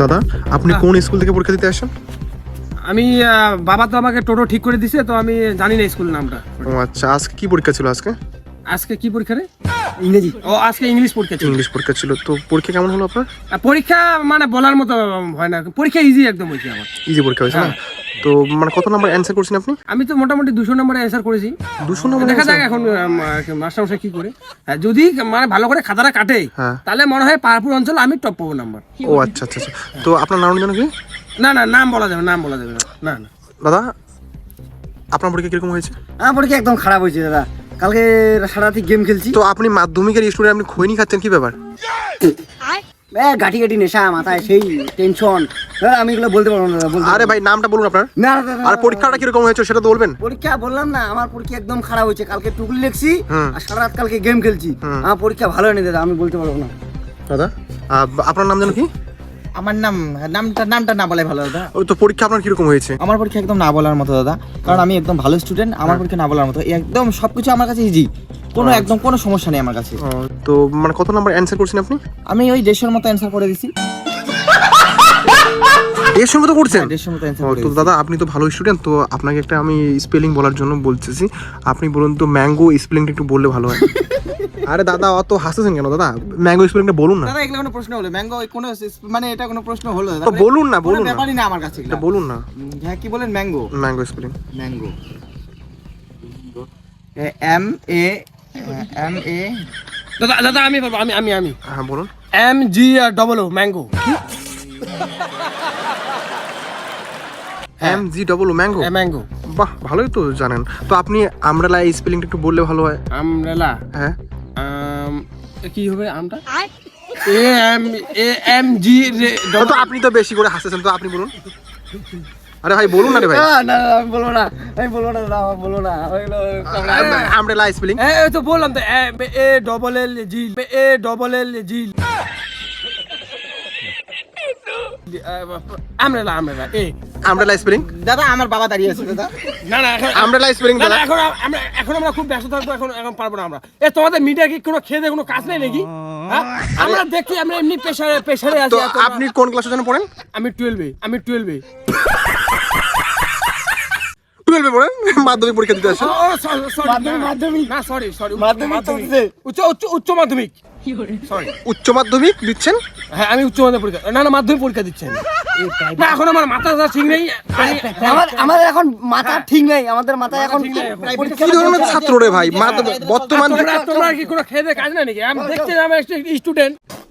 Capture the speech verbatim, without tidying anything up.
দাদা আপনি কোন স্কুল থেকে পরীক্ষা দিতে আসেন? আমি বাবা তো আমাকে টোটো ঠিক করে দিছে, তো আমি জানি না স্কুল নামটা। ও আচ্ছা, আজকে কি পরীক্ষা ছিল? আজকে আজকে কি পরীক্ষা রে? ইংরেজি। ও আজকে ইংলিশ পরীক্ষা ছিল। ইংলিশ পরীক্ষা ছিল। তো পরীক্ষা কেমন হলো আপনার? পরীক্ষা মানে বলার মতো হয় না, পরীক্ষা ইজি একদম হয়েছে আমার। ইজি পরীক্ষা হয়েছে না? তো মানে কত নাম্বার অ্যানসার করছেন আপনি? আমি তো মোটামুটি দুশো নম্বরে অ্যান্সার করেছি। দুশো নম্বর? দেখা যাক এখন মাস্টারমশাই কি করে। যদি মানে ভালো করে খাতাটা কাটে হ্যাঁ। তাহলে মনে হয় পাহাড়পুর অঞ্চল আমি টপ পাবো নাম্বার। ও আচ্ছা আচ্ছা আচ্ছা। তো আপনার নাম জানো কি? না না নাম বলা যাবে, নাম বলা যাবে না। না না দাদা আপনার পরীক্ষা কিরকম হয়েছে? আমার পরীক্ষা একদম খারাপ হয়েছে দাদা। কালকে সারা রাত গেম খেলছি। তো আপনি মাধ্যমিকের স্টুডেন্ট, আপনি খৈনি খাচ্ছেন, কি ব্যাপার? গাঠি গাঠি নেশা মাথায়, সেই টেনশন। আমি এগুলো বলতে পারবো না দাদা। আরে ভাই নামটা বলুন আপনার। না দাদা। আর পরীক্ষাটা কিরকম হয়েছে সেটা তো বলবেন। পরীক্ষা বললাম না, আমার পরীক্ষা একদম খারাপ হয়েছে। কালকে টুকলি লিখছি হুম। আর সারা রাত কালকে গেম খেলছি। হুম। আমার পরীক্ষা ভালো হয়নি দাদা, আমি বলতে পারবো না। দাদা আপনার নাম জানো কি? আমার নাম নামটা নামটা না বলাই ভালো দাদা। ওই তো পরীক্ষা আপনার কিরকম হয়েছে? আমার পরীক্ষা একদম না বলার মতো দাদা, কারণ আমি একদম ভালো স্টুডেন্ট। আমার পরীক্ষা না বলার মতো, একদম সবকিছু আমার কাছে ইজি, কোনো একদম কোনো সমস্যা নেই আমার কাছে। ও, তো মানে কত নাম্বার অ্যানসার করছেন আপনি? আমি ওই দেড়শোর মতো অ্যান্সার করে দিছি। দেড়শোর মতো করছেন? দেড়শোর মতো অ্যান্সার ও, করে তো দিছি। দাদা আপনি তো ভালো স্টুডেন্ট, তো আপনাকে একটা আমি স্পেলিং বলার জন্য বলতেছি। আপনি বলুন তো ম্যাঙ্গো স্পেলিংটা একটু বললে ভালো হয়। আরে দাদা অত হাসতেছেন কেন দাদা? ম্যাঙ্গো স্পেলিংটা বলুন না। দাদা এগুলো কোনো প্রশ্ন হলো? ম্যাঙ্গো কোনো মানে এটা কোনো প্রশ্ন হলো দাদা? তো বলুন না, বলুন কোনো না। ব্যাপারই না আমার কাছে এটা এগুলো। বলুন না। উম, হ্যাঁ কি বলেন? Mango. Mango spelling. Mango M A M A দাদা দাদা আমি বলবো, আমি আমি আমি হ্যাঁ বলুন। M G double O mango. M G double O mango. Mango. বাহ, ভালোই তো জানেন। তো আপনি আমরালা এই স্পেলিংটা একটু বললে ভালো হয়। আমরেলা। হ্যাঁ। আম কি হবে আমটা? এ এম এ এম জি তো আপনি তো বেশি করে হাসতেছেন, তো আপনি বলুন। আরে ভাই বলুন না রে ভাই। না না না, আমি বলবো না, আমি বলবো না দাদা, আমি বলবো না। ওইগুলো আমরেলা স্পেলিং। এই তো বললাম তো A double L G A double L G. Umbrella umbrella এ আমরেলা স্পেলিং। দাদা আমার বাবা দাঁড়িয়ে আছে দাদা। না না এখন আমরেলা স্পেলিং না, না, দাদা। এখন আমরা এখন আমরা খুব ব্যস্ত থাকবো, এখন এখন পারবো না আমরা। এ তোমাদের মিডিয়া কি কোনো খেয়ে দেয়ে কোনো কাজ নেই নাকি? হ্যাঁ? আমরা দেখি আমরা এমনি প্রেসারে প্রেসারে আছি। তো আর তোমরা- আপনি কোন ক্লাসে যেন পড়েন? আমি টুয়েলভে আমি টুয়েলভে টুয়েলভে পড়েন, মাধ্যমিক পরীক্ষা দিতে আসেন। মাধ্যমিক না সরি সরি মাধ্যমিক চলছে। উচ্চ উচ্চ উচ্চ মাধ্যমিক সরি। উচ্চ মাধ্যমিক দিচ্ছেন? হ্যাঁ আমি উচ্চ মাধ্যমিক পরীক্ষা না না মাধ্যমিক পরীক্ষা দিচ্ছি আমি। না এখন আমার মাথা ঠিক নেই। আমার আমাদের এখন মাথা ঠিক নেই, আমাদের মাথায় এখন ঠিক নেই এখন। পরীক্ষা- কি ধরনের ছাত্র রে ভাই? মাধ্য- বর্তমান তোমরা তোমরা কি কোনো খেয়ে দেয়ে কাজ নাই নাকি? আমি দেখছি আমি স্টুডেন্ট।